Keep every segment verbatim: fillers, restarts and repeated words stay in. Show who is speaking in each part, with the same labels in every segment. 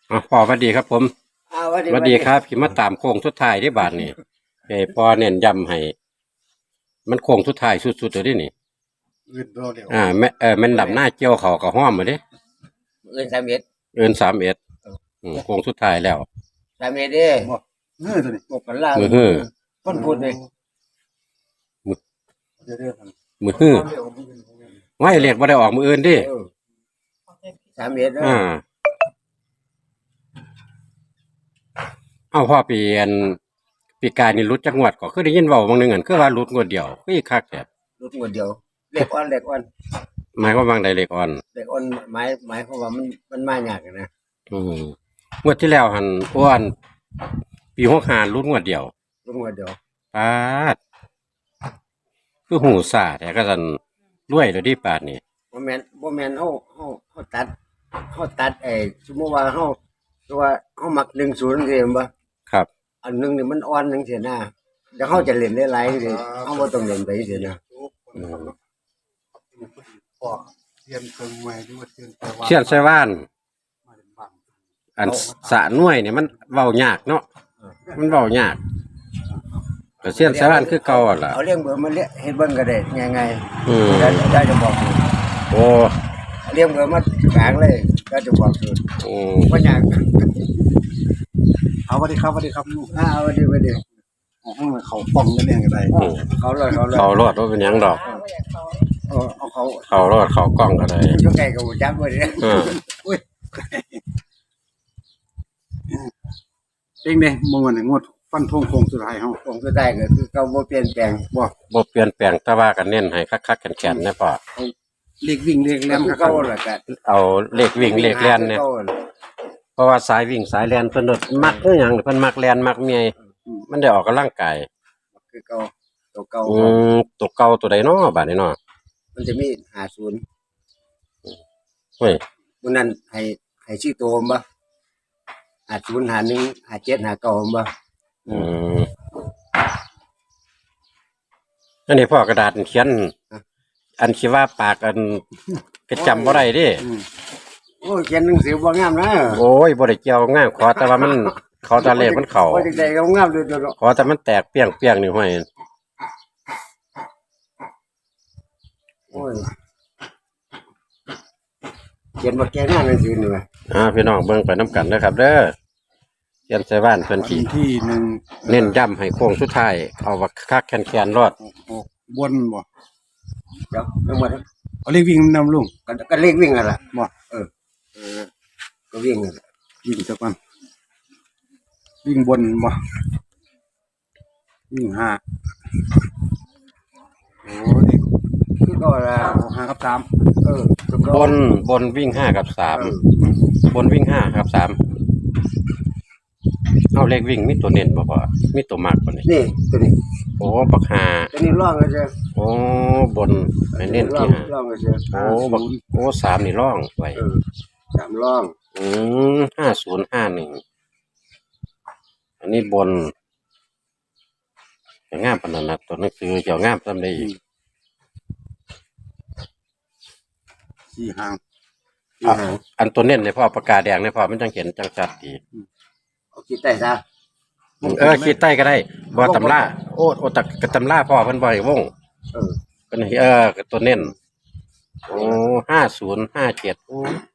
Speaker 1: อ๋อพอสวัสดีครับผม
Speaker 2: อ่าวัน
Speaker 1: สวัสดีครับขี่มาตามโค้งสุดท้ายที่บาทนี่เอ้พอเน้นย้ำให้มันโค้งสุดท้ายสุดๆเลยนี่
Speaker 3: อื่นรอเดี๋ยว
Speaker 1: อ่าแม่เออแม่นดำหน้าเกี่ยวเขากับห้อมมาเด้
Speaker 2: เงินสามเอ็ด
Speaker 1: เอินสามเอ็ดอืมโค้งสุดท้ายแล้ว
Speaker 2: สามเอ็ดเด้
Speaker 3: บอกเงื่อตัวนี้
Speaker 2: บอกกันล่า
Speaker 1: มือฮื้อ
Speaker 2: ต้นพูดเลย
Speaker 3: เดี๋ยวเดี๋ยวท
Speaker 1: มือฮื้อ
Speaker 3: ำ
Speaker 1: ไม่เรียกว่าได้ออกมืออื่นดิ
Speaker 2: เออสามเอ็ดเด้อ
Speaker 1: อ่าเอ้าพ่อเปลี่ยนปีกายนี่รุดจักงวดก็คือได้ยินเว้าบางหนึงอันคือว่ารุดงวดเดียวคืออีกคักแท้
Speaker 2: รถงวดเดียวเล็กอ่อนเล็กอ่อน
Speaker 1: หมายความว่าบางใดเลขอ่อน
Speaker 2: เล็กอ่อนหมายหมายความว่ามันมันมายากอะนะ
Speaker 1: อืมงวดที่แล้วหันอ้วนปีหกห้ารุดงวดเดียว
Speaker 2: รถงวดเดียว
Speaker 1: ปาดคือหูสาแต่ก็สันรวยเลยดิปาดนี่
Speaker 2: บ่แม่นบ่แม่นเฮาเฮาเฮาตัดเฮาตัดไอ้สมมุติว่าเฮาตัวาเฮามักหนึ่งศูนย์จังซี่แม่นบ่
Speaker 1: ครับ
Speaker 2: อันหนึงนี่มันอ่อนจังซี่นะเดี๋ยวเฮาจะเล่นได้หลายจังซี่เฮาบ่ต้องเล่นไปจังซี่นะ
Speaker 1: อืม
Speaker 3: พอเทียนเคิงไว้ด้วยเทียนแต่ว่า
Speaker 1: เชียนไซว่าน
Speaker 3: มาเป็นบัง
Speaker 1: อันสะหน่วยเนี่ยมันเว้ายากเนาะมันเว้ายากแต่เชียนไซว่านคือเก่าอะล่ะ
Speaker 2: เอาเลี้ยงเบิ่มาเลี้ยเฮ็ดเบิ่งก็ได้ง่าย
Speaker 1: อืม
Speaker 2: ๆได้ได้จะบอก
Speaker 1: โอ้
Speaker 2: เลี้ยงเบิ่มากลางเลยได้จะบอกสูตร
Speaker 1: โอ้
Speaker 2: บ่ยาก
Speaker 3: เอาสวัสดีครับสวัสดีครับลูก
Speaker 2: อ่าเอาดิเอาดิ
Speaker 3: เอาข้างในเขาป้องกันเนี่ยกันได้
Speaker 1: อืม
Speaker 2: เขาเลยเขาเลย
Speaker 1: เขารอดว่าเป็นหยังดอก
Speaker 2: เอาเอาเขา
Speaker 1: เขารอดเขากล้องก็ได้
Speaker 2: อยู่ใกล้กับจักบ่ได้
Speaker 1: อืม
Speaker 3: เองเนี่ยมองวันไหนงวดฟันทงโคงสุดท้ายเฮา
Speaker 2: ผมสุดท้ายก็คือเขาบ่เปลี่ยนแปลง
Speaker 3: บ่
Speaker 1: บ่เปลี่ยนแปลงแต่ว่ากันเน้นให้คักๆแข็งๆนะพ่อ
Speaker 3: เล็กวิ่งเล็กแหล
Speaker 2: แล้ว
Speaker 3: ม
Speaker 2: คือ
Speaker 3: ครั
Speaker 2: เขา
Speaker 3: บ
Speaker 2: ล่ะก็
Speaker 1: เอาเลขวิ่งเลขแล่นเนี่ย เพราะว่าสายวิ่งสายแล่นเพิ่นโดดมักคือหยังเพิ่นมักแล่นมักเมียมันได้ออกกำลังกาย
Speaker 2: คือเขาตัวเก่า
Speaker 1: อืมตัวเก่าตัวใดเนาะบาดนี้เนาะ
Speaker 2: มันจะมีห้าสิบ
Speaker 1: เฮ้ย
Speaker 2: มื้อนั้นให้ให้ชื่อโตมบ่ห้าสิบ ห้าสิบเอ็ด ห้าสิบเจ็ด ห้าสิบเก้าบ่
Speaker 1: อืมอันนี้พ่อกระดาษเขียน อันคิดว่าปากอันก็จำบ่ได้เดิ
Speaker 3: อืม
Speaker 2: โอ้ยเขียนหนังสือบ่งามนะ
Speaker 1: โอ้ยบ่ได้เกี่ยวงามขอแต่ว่ามันขอแต่เลขมันเข้า
Speaker 2: บ่จังได๋ก็งามเลยตัวเนาะ
Speaker 1: ขอแต่มันแตกเปี้ยงๆนี่ห้อย
Speaker 2: โอ้ยเขียนบ่แก่งามหนังสือนี่ว่ะ
Speaker 1: อ่าพี่น้องเบิ่งไปนํกันเด้อครับ เด้อเขียนใส่บ้านเพิ่น
Speaker 3: วัน
Speaker 1: สิ
Speaker 3: ที่หนึ่ง
Speaker 1: เน้นย้ำให้โค้งสุดท้ายเอาว่าคักแคนๆรอด
Speaker 3: หกหกบนบ่
Speaker 2: เดี๋ยวทั้งหมด
Speaker 3: เอาเล็กวิ่งนำลุง
Speaker 2: ก็ก็เลขวิ่งนั่นล่ะ
Speaker 3: บ่
Speaker 2: เออเออก็วิ่งนั่นล่ะ
Speaker 3: วิ่งจักวันวิ่งบนบ่วิ่งห้าโอ้เด็ก
Speaker 2: คือก็ล่ะ
Speaker 3: ห้ากับสาม
Speaker 2: เออตัวเก่า
Speaker 1: บนบนวิ่งห้ากับสาม
Speaker 2: เออบ
Speaker 1: นวิ่งห้ากับสามเอาเลขวิ่งมีตัวเน้นบ่พอมีตัวมากบ่นี่
Speaker 2: นี่ตัวนี้
Speaker 1: โอ้บักหา
Speaker 2: ตัวนี้ร่องก็จะ
Speaker 1: โอ้บนให้เน้น
Speaker 2: ร่อ
Speaker 1: ที่
Speaker 2: ง
Speaker 1: ห้า
Speaker 2: ร่องก็จะ
Speaker 1: โอ้บักโอ้สามนี่ร่องไว้
Speaker 2: เออสามร่อง
Speaker 1: อืมห้าศูนย์ห้าหนึ่งอันนี้บนจะงามปานนั้นนะตัวหนังสือจะงามซำได้อีก
Speaker 3: สี่ห้าง
Speaker 1: อ่ะอันตัวเน้นในพ่อปากกาแดงในพ่อมันจังเห็นจังชัดดี
Speaker 2: เอาคิดได้ซะ
Speaker 1: เออขีดใต้ก็ได้บ่ตำราโอ้โอ้ตักกะตำราพ่อเพิ่นบ่ให้วง
Speaker 2: เออ
Speaker 1: เพิ่นให้เออตัวเน้นโอ้ห้าศูนย์ห้าเจ็ดโอ้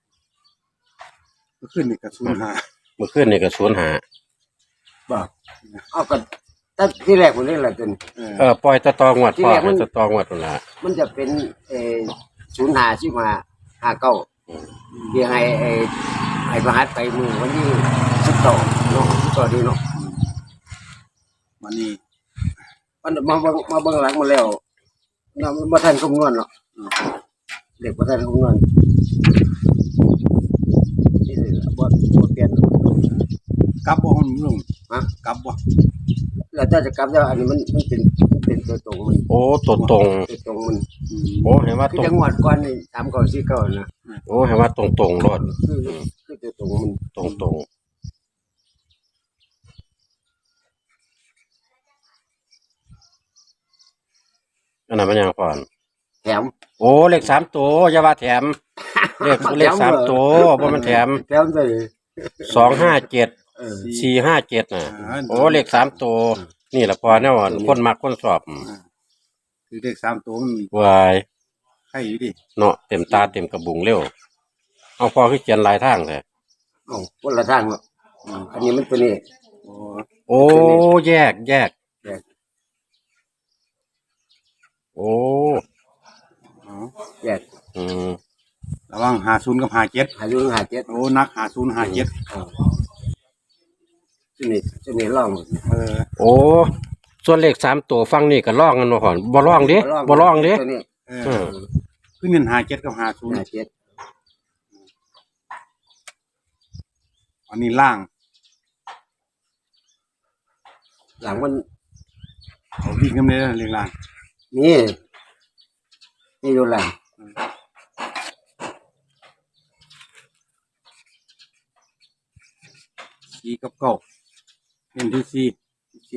Speaker 3: ก็ขึ้นอีกกับศูนย์ห้า
Speaker 1: เมื่อคืนนี่ก็ศูนย์ห้า
Speaker 2: บ่เอาก็ตั้งที่แรกผมนี่แหละจน
Speaker 3: เออ
Speaker 1: เออปล่อยตะตองวด
Speaker 2: ที่
Speaker 1: พ่อ
Speaker 2: แรกมั
Speaker 1: ให้
Speaker 2: น
Speaker 1: ตะตองวดพุ่นล่ะ
Speaker 2: มันจะเป็นเอ่อศูนย์ห้าสิบห้าห้าเก้าที่ให้ไอ้ให้ประหัสไปมือวันที่สิบสองเนาะสิบสองดีเนาะ
Speaker 3: วันนี้
Speaker 2: มันมาเบิ่งมาเบิ่งหลังมาแล้วนะมันบ่ทันคำนวณหรอกเด็กบ่ทันคำนวณนี่เลยล่ะบ่บ่เปลี่ยน
Speaker 3: กลับบ่ห้องลุง
Speaker 2: ฮะ
Speaker 3: กลับบ่
Speaker 2: แล้วถ้าจะกลับแล้วอันนี้มันมันเป็นมันเป็นตัวตรงมัน
Speaker 1: โอ้ตัวตรง
Speaker 2: ตัวตรงมัน
Speaker 3: อืม
Speaker 1: โอ้เห็นว่า
Speaker 2: คือ
Speaker 1: ตรง
Speaker 2: จังหวัดก่อนนี่สามเก้าสี่เก้านะ
Speaker 1: โอ้เห็นว่าตรงตรงๆรอด
Speaker 2: คือคือตัวตรงมัน
Speaker 1: ตรงตรงอันนั้นมันยังก่อน
Speaker 2: แถม
Speaker 1: โอ้เลขสามตัวอย่าว่าแถม เลขเลขสามตัวบ่มันแถม
Speaker 2: แถมไป
Speaker 1: สองห้าเจ็ด
Speaker 2: เออ
Speaker 1: สี่ห้าเจ็ดน่ะ
Speaker 3: อ่า
Speaker 1: โอ้เลขสามตัวนี่แหละพอแน่นอนคนมักคนสอบ
Speaker 3: คือเลขสามตัวมัน
Speaker 1: วาย
Speaker 3: ใช่อยู่ดิ
Speaker 1: เนาะเต็มตาเต็มกระบุงเร็วเอาพอคือเขียนลายทางเลย
Speaker 2: เอ้าคนละทางเนาะอืมอันนี้มันตัวนี้
Speaker 3: โอ้
Speaker 1: โอ้แยกแยก
Speaker 2: แยก
Speaker 1: โอ้
Speaker 3: เอา
Speaker 2: แยก
Speaker 1: อืม
Speaker 3: ระวังหาศูนย์กับหาเจ็ด
Speaker 2: หาอยู่หาเจ็ด
Speaker 3: โอ้นักหาศูนย์หาเจ็ด
Speaker 2: อ่าตัวนี้ตัวนี้ล่อง
Speaker 3: เออ
Speaker 1: โอ้ส่วนเลขสามตัวฟังนี่ก็ล่องกันมาก่อนบ่ล่องดิบ่ล่องดิ
Speaker 2: ตัวนี้
Speaker 3: เอ
Speaker 1: อื
Speaker 3: อ
Speaker 1: ม
Speaker 3: คือเงินหาเจ็ดกับหาศูนย์
Speaker 2: หาเจ็ด
Speaker 3: อันนี้ล่าง
Speaker 2: หลังมัน
Speaker 3: เขาวิ่งกันเลยเรียงล่าง
Speaker 2: นี่นี่อยู่หลัง
Speaker 3: สี่กับเก้าเน้นที่สี่
Speaker 2: สี่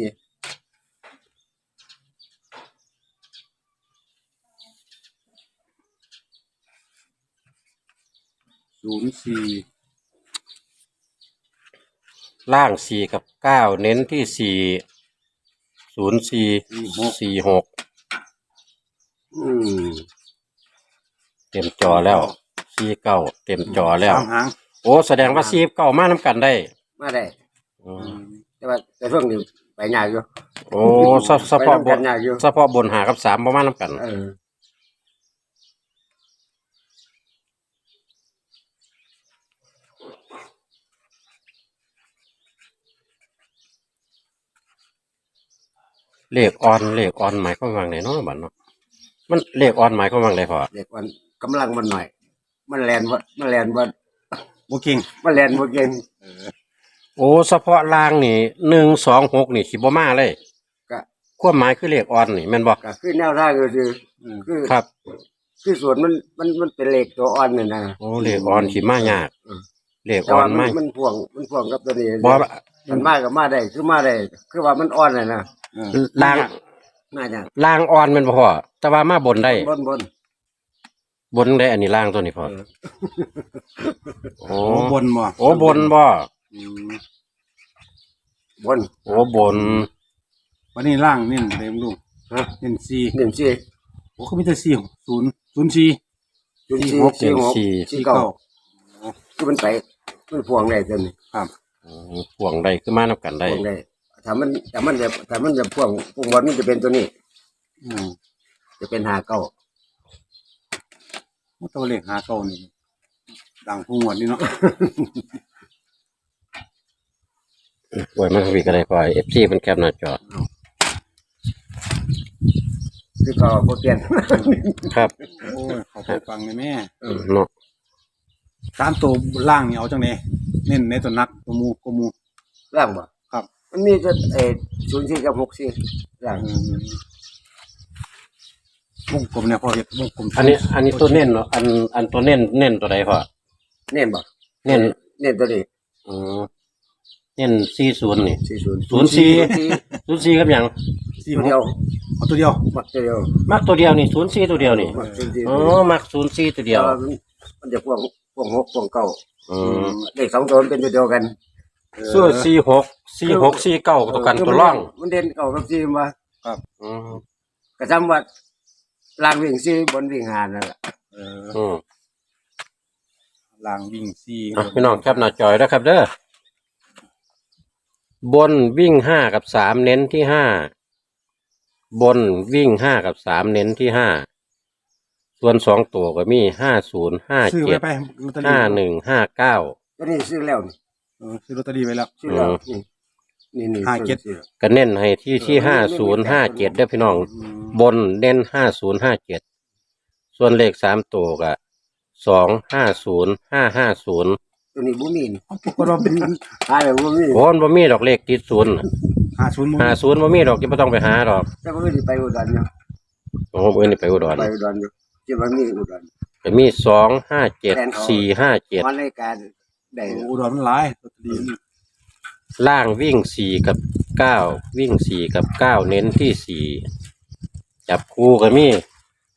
Speaker 3: ศูนย์สี่
Speaker 1: ล่างสี่กับเก้าเน้นที่สี่ศูนย์สี่สี่หก
Speaker 2: อืม
Speaker 1: เต็มจอแล้วสี่เก้าเต็มจอแล้ว
Speaker 3: สามหาง
Speaker 1: โอ้แสดงว่าสี่เก้ามาน้ำกันได้
Speaker 2: มาได้
Speaker 1: อืม
Speaker 2: แต่ว่าแต่ช่วงนี้ไปยากอยู่
Speaker 1: โอ้เฉเฉพาะบ
Speaker 2: ไป
Speaker 1: น
Speaker 2: นำกันยากอยู่
Speaker 1: เฉพาะบนหากับสามประมาณน้ำกัน
Speaker 2: เออ
Speaker 1: เลขออนเลขออนหมายความว่าไงเนาะบัดเนาะมันเลขออนหมายความว่าไงพอ
Speaker 2: เด็กมันกำลังมันหน่อย มันแลนว่ามันแลนว่า
Speaker 3: โอเก่ง
Speaker 2: มันแลนว่าเก่ง
Speaker 3: เออ
Speaker 1: โอ้เฉพาะล่างนี่หนึ่งสองหกนี่สิบ่มาเลย
Speaker 2: ก็
Speaker 1: ความหมายคือเลขออนนี่แม่นบ่
Speaker 2: ก็คือแนวทางก็คือ
Speaker 3: อืม
Speaker 2: คือ
Speaker 1: ครับ
Speaker 2: คือส่วนมันมันมันเป็นเลขตัวอ่อนนี่นะ
Speaker 1: โอ้เลขออนสิมายาก
Speaker 2: อืม
Speaker 1: เลข
Speaker 2: แต่
Speaker 1: ออ
Speaker 2: ว่าน มัน
Speaker 1: มา
Speaker 2: มันพ่วงมันพ่วงกับตัวนี้
Speaker 1: บ่
Speaker 2: มันมากับมาได้คือมาได้คือว่ามันอ่อนเลยนะ
Speaker 3: เออ
Speaker 1: ล่าง
Speaker 2: น่าจะ
Speaker 1: ล่างออนแม่นบ่พอแต่ว่ามาบนได้
Speaker 2: บนบน
Speaker 1: บนได้อันนี้ล่างตัวนี้พอ
Speaker 2: เออ
Speaker 1: โอ้
Speaker 3: โอ้บนบ่
Speaker 1: โอ้บนบ่
Speaker 3: อืม
Speaker 2: บน
Speaker 1: โอ้บน
Speaker 3: วันนี้ล่างเน้นเต็มลูก
Speaker 2: ฮะ
Speaker 3: เน้นสี่
Speaker 2: หนึ่งสี่
Speaker 3: โอ้เขามีแต่สี่ศูนย์ศูนย์สี่
Speaker 2: ศูนย์
Speaker 1: สี่
Speaker 2: สี่
Speaker 1: หก
Speaker 2: สี่หก
Speaker 1: สี่
Speaker 2: สี่เก้าคือมันไปมันพ่วงได้ตัวนี้
Speaker 3: ครับ
Speaker 1: อืมพ่วงได้คือมานํกันได้
Speaker 2: พ่วงได้ถ้ามันถ้ามันจะถ้ามันจะพ่วงพ่วงบนมันจะเป็นตัวนี้
Speaker 3: อืม
Speaker 2: จะเป็นหาเก้า
Speaker 3: ตัวเลขหาเก้านี่ดังพุ่งวันนี้เนาะ
Speaker 1: โอ้ยมันก็มีก็ได้พอ เอฟ ซี มันแคปหน้าจอ
Speaker 2: คือเก็บ่เปลี่ยน
Speaker 1: ครับ
Speaker 3: โอ้ยขอไปฟังเลยแม่
Speaker 1: เนาะ
Speaker 3: สามตัวล่างนี่เอาจังไดเน้นในตัวนักตัวหมูตัวหมู
Speaker 2: ร่างบ่
Speaker 3: ครับ
Speaker 2: มันมีจะเออศูนย์สี่กับหกสี่ร่าง
Speaker 3: อืมวงกลมเนี่ยพอเห็ดวงกลม
Speaker 1: อันนี้ อันนี้ตัวเน้นเนาะอันอันตัวเน้นเน้นตัวใดพอ
Speaker 2: เน้นบ่
Speaker 1: เน้น
Speaker 2: เน้นตัวนี้
Speaker 1: อืมเน้นสี่ศูนย์นี่
Speaker 2: สี่ศูนย์
Speaker 1: ศูนย์สี่ศูนย์สี่กับหยัง
Speaker 3: สี่
Speaker 2: ตัว
Speaker 3: ห
Speaker 2: เดียว
Speaker 3: กเอาตัวเดียว
Speaker 2: มักตัวเดียว
Speaker 1: มักตัวเดียวนี่ศูนย์สี่ตัวเดียวนี่
Speaker 2: มักศูนย์สี่
Speaker 1: อ๋อมักศูนย์สี่ตัวเดียว
Speaker 2: แต่ามันมันจะพ่วงพ่วงหกพ่วงเก้า
Speaker 1: อืม
Speaker 2: เลขสองตัวมันเป็นตัวเดียวกัน
Speaker 1: ส่วนสี่หกสี่หกสี่เก้าตัวกันตัวร่อง
Speaker 2: มันเด่นเก้ากับสี่มา
Speaker 1: อืม
Speaker 2: กระจำว่าล่างวิ่งสี่บนวิ่งหานั่นแหละ
Speaker 3: เออ
Speaker 1: อืม
Speaker 3: ล่างวิ่งสี่
Speaker 1: อ่ะพี่น้องแคปหน้าจอยนะครับเด้อบนวิ่งห้ากับสามเน้นที่ห้าบนวิ่งห้ากับสามเน้นที่ห้าส่วนสองตัวก็มีห้าศูนย์ห้า
Speaker 3: ซื้อ
Speaker 1: เจ็
Speaker 3: ไว้
Speaker 1: ด
Speaker 3: ไปลอตเตอรี่
Speaker 1: ห้าหนึ่งห้าเก้า
Speaker 2: ตัวนี้ซื้อแล้วนี่
Speaker 3: เออซื้อลอตเตอรี่ไว้แล้ว
Speaker 2: ซื้อแล้ว
Speaker 1: อืม
Speaker 2: นี่นี่
Speaker 3: ห้าเจ็ด
Speaker 2: ซื้อ
Speaker 1: ก็เน้นให้ที่ที่ห้าศูนย์ห้าเจ็ดเด้อพี่น้อง
Speaker 3: อืม
Speaker 1: บนเน้นห้าศูนย์ห้าเจ็ดส่วนเลขสามตัวก็สองห้าศูนย์ห้าห้าศูนย์
Speaker 2: ตัวนี้บ่มีนี่
Speaker 3: เอาปรากฏว่าเป็น
Speaker 2: หาเลยบ่มี
Speaker 1: โอ้บ่มีดอกเลขติดศูนย์
Speaker 3: หาศูนย์หมู
Speaker 1: หาศูนย์บ่มีดอกที่ไม่ต้องไปหาดอก
Speaker 2: แต่บ่ได้ไปอุดรอยู่
Speaker 1: โอ้เอื่นนี่ไปอุดร
Speaker 2: ไปอุดรอยู่ที่มันมีอุดร
Speaker 1: ก็มีสองห้าเจ็ดสี่ห้าเจ็ด
Speaker 2: วันรายการได้
Speaker 3: อุดรมันหลายลอตเตอรี่นี่
Speaker 1: ล่างวิ่งสี่กับเก้าวิ่งสี่กับเก้าเน้นที่สี่จับคู่ก็มี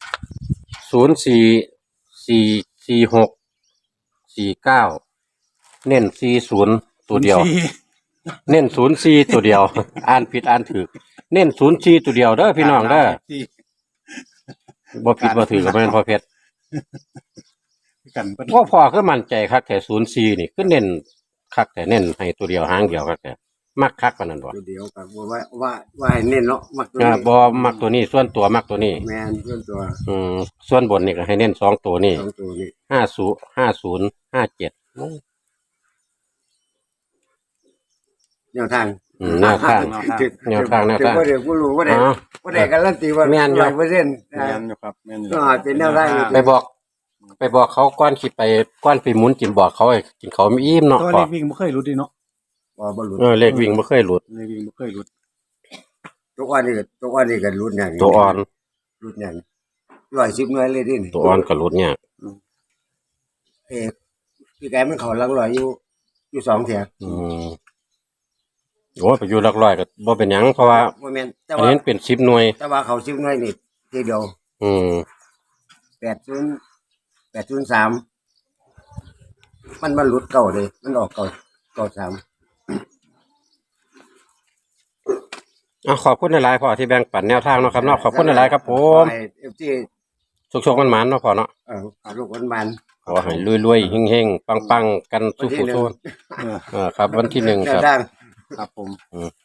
Speaker 1: ศูนย์สี่สี่สี่หกสี่เก้าเน้นสี่ศูนย์ตัวเดียว
Speaker 3: สี่
Speaker 1: เน้นศูนย์สี่ตัวเดียว อ่านผิดอ่านถูกเน้นศูนย์สี่ตัวเดียวเด้อพี่น้องเด้อ
Speaker 3: สี่
Speaker 1: บ่ผิดบ่ถือก็บ่แม่นพอเพชร
Speaker 3: กันเพิ่น
Speaker 1: ว่าพอคือมั่นใจคักแต่ศูนย์สี่นี่คือเน้นคักแต่เน้นให้ตัวเดียวหางเดียวคักแต่มักคักปานนั้นบ่
Speaker 2: ตัวเดียวกับว่าว่าว่าให้เน้นเนาะมักตัว
Speaker 1: อ่า
Speaker 2: นี้
Speaker 1: บ่มักตัวนี้ส่วนตัวมักตัวนี้
Speaker 2: แมนส่วนตัว
Speaker 1: อืมส่วนบนนี่ก็ให้เน้นสองตัวนี่
Speaker 2: สองตัวนี้
Speaker 1: ห้าศูนย์ห้าศูนย์ห้าเจ็ด
Speaker 2: แนวทาง
Speaker 1: อืมแนวทาง แนวทางแนวทาง
Speaker 2: ว่าเดี๋ยวกูรู้ว่าเดี๋ยว
Speaker 1: อ๋อ
Speaker 2: ว่าเดี๋ยวการันตีว่า
Speaker 1: แม่นอยู่
Speaker 2: ร้อยเปอร์เซ็นต์
Speaker 3: แม่นอยู่ครับแม่นอยู่
Speaker 2: ก็เป็นแนวทาง
Speaker 1: ไปบอก ไปบอกเขาก้อนคิดไปก้อนไปหมุนกินบอกเขาให้กินเขาไม่อิ่มเนาะ
Speaker 3: ตัว
Speaker 1: พ
Speaker 3: เล
Speaker 1: อ
Speaker 3: ขวิ่งบ่เคยหลุดดิเนาะ
Speaker 2: ว่าบรรลุ
Speaker 1: เออเลขวิ่งบ่เคยหลุด
Speaker 3: เลขวิ่งบ่เคยหลุด
Speaker 2: ตัวอ่อนนี่ก็ตัวอ่อนนี่ก็รุดอย่าง
Speaker 1: ตัวอ่อน
Speaker 2: รุดอย่างร้อยสิบหน่วยเลยดิ
Speaker 1: ตัวอ่อนก็หลุดเนี่ย
Speaker 2: เออพี่แกมันเขาหลังร้อยอยู่อยู่สองเถียง
Speaker 1: อืมโอ้ยไปอยู่หลักร้อยก็บ่เป็นหยังเพราะว่า
Speaker 2: ว่าแม่นแต่
Speaker 1: อัน
Speaker 2: ว่า
Speaker 1: นี้มันเป็นสิบหน่วย
Speaker 2: แต่ว่าเขาสิบหน่วยนี่ทีเดียว
Speaker 1: อืม
Speaker 2: แปดศูนย์แปดศูนย์สามมันมันหลุดเก่าเลยมันออกเก่าเก่าสาม
Speaker 1: อ่ะขอบคุณหลายๆพ่อที่แบ่งปันแนวทางเนาะครับเนาะขอบคุณหลายๆครับผม
Speaker 2: เอฟซี
Speaker 1: สุขๆมันๆเนาะพ่อเนาะ
Speaker 2: เออลูกวันมัน
Speaker 1: ขอให้รวยๆเฮงๆปังๆกันสู้ๆสู้
Speaker 3: เออ
Speaker 1: เออครับ วันที่หนึ่ง
Speaker 2: แน
Speaker 1: คว รับ
Speaker 2: ทาง
Speaker 3: ครับผม
Speaker 1: อืม